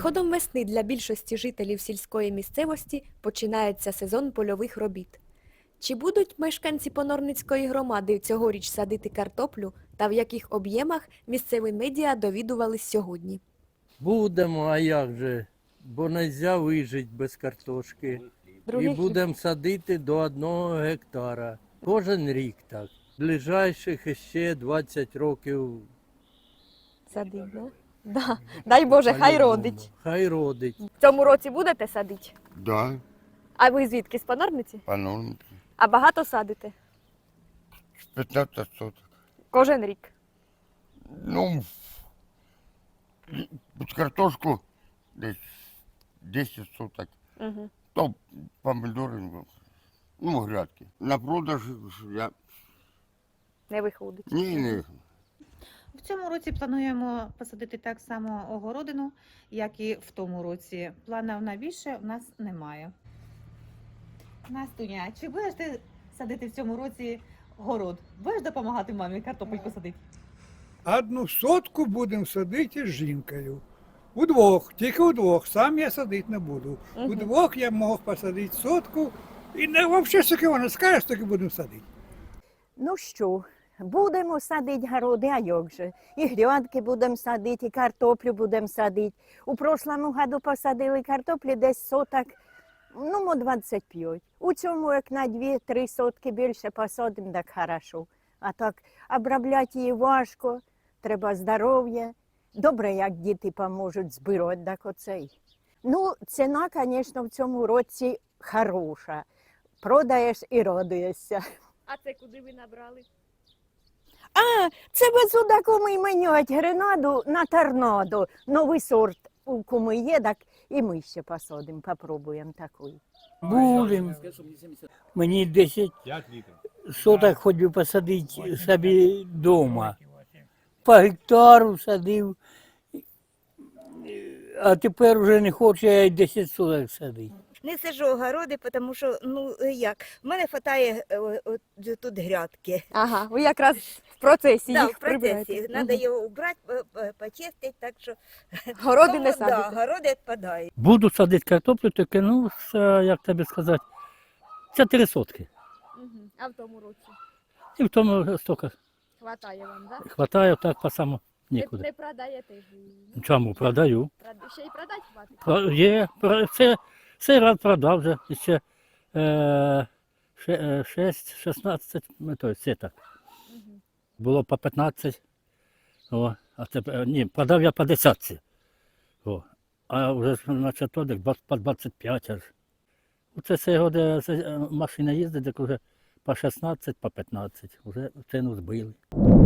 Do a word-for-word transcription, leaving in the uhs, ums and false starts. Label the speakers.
Speaker 1: приходом весни для більшості жителів сільської місцевості починається сезон польових робіт. Чи будуть мешканці Понорницької громади цьогоріч садити картоплю та в яких об'ємах, місцеві медіа довідувались сьогодні.
Speaker 2: Будемо, а як же, бо не можна вижити без картошки. І будемо садити до одного гектара. Кожен рік так. Ближайших ще двадцять років.
Speaker 1: Садить, да? Да. Дай Боже, хай родить.
Speaker 2: Хай родить.
Speaker 1: В цьому році будете садити?
Speaker 3: Да,
Speaker 1: А ви звідки, з Понорниці?
Speaker 3: по нормке.
Speaker 1: А багато садите?
Speaker 3: пятнадцать соток.
Speaker 1: Кожен рік?
Speaker 3: Ну, під картошку десь десять соток.
Speaker 1: Угу.
Speaker 3: То помидори, ну, грядки. На продаж я
Speaker 1: Не виходить.
Speaker 3: ні, не.
Speaker 4: В цьому році плануємо посадити так само огородину, як і в тому році. Планів на більше в нас немає. Настуня, чи будеш ти садити в цьому році город? Будеш допомагати мамі картопельку садити?
Speaker 5: Одну сотку будемо садити з жінкою. Удвох, тільки удвох. Сам я садити не буду.
Speaker 1: Мгм.
Speaker 5: Удвох я мог посадити сотку. І не, взагалі, що вона скаже, так і будемо садити.
Speaker 6: Ну що, будемо садити городи, а як же? І грядки будемо садити, і картоплю будемо садити. У прошлому году посадили картоплі десь соток, ну, мо двадцять п'ять. У цьому, як на дві-три сотки більше посадимо, так хорошо. А так, обробляти її важко, треба здоров'я. Добре, як діти поможуть збирати, так оцей. Ну, ціна, звісно, в цьому році хороша. Продаєш і радуєшся.
Speaker 1: А це куди ви набрали?
Speaker 6: А, це без суда куми міняють гренаду на торнадо. Новий сорт у куми є, так і ми ще посадимо, попробуємо такий.
Speaker 7: Будем. Мені десять соток хоч би посадити собі вдома. По гектару садив, а тепер вже не хочу я й десять соток садити.
Speaker 8: Не саджу огороди, тому що, ну, як, в мене вистачає тут грядки.
Speaker 1: Ага, ви якраз в процесі
Speaker 8: Да,
Speaker 1: їх
Speaker 8: в процесі.
Speaker 1: прибираєте.
Speaker 8: Треба
Speaker 1: Мгм.
Speaker 8: його убрати, почистити, так що...
Speaker 1: Городи не
Speaker 8: Тому,
Speaker 1: садите?
Speaker 8: Да, городи відпадають.
Speaker 9: Буду садити картоплю, тільки, ну, це, як тобі сказати, це три сотки.
Speaker 1: Мгм. А в тому році?
Speaker 9: І в тому стільки
Speaker 1: Хватає вам, так? Да?
Speaker 9: хватає, так по самому
Speaker 1: Не,
Speaker 9: нікуди.
Speaker 1: не продаєте ж її?
Speaker 9: Чому? Продаю.
Speaker 1: Прод- Ще й продати хватить?
Speaker 9: Про- Є, про- це, цей раз продав вже, ще е, ше- е, шість, шістнадцять, ну, то есть це так.
Speaker 1: Мгм.
Speaker 9: Було по п'ятнадцять, о, а тепер, ні, продав я по десятці. О, а вже ж, значить, то, десь по двадцять п'ять аж. Оце цей год е, це, е, машина їздить, так вже по шістнадцять, по п'ятнадцять, вже ціну збили.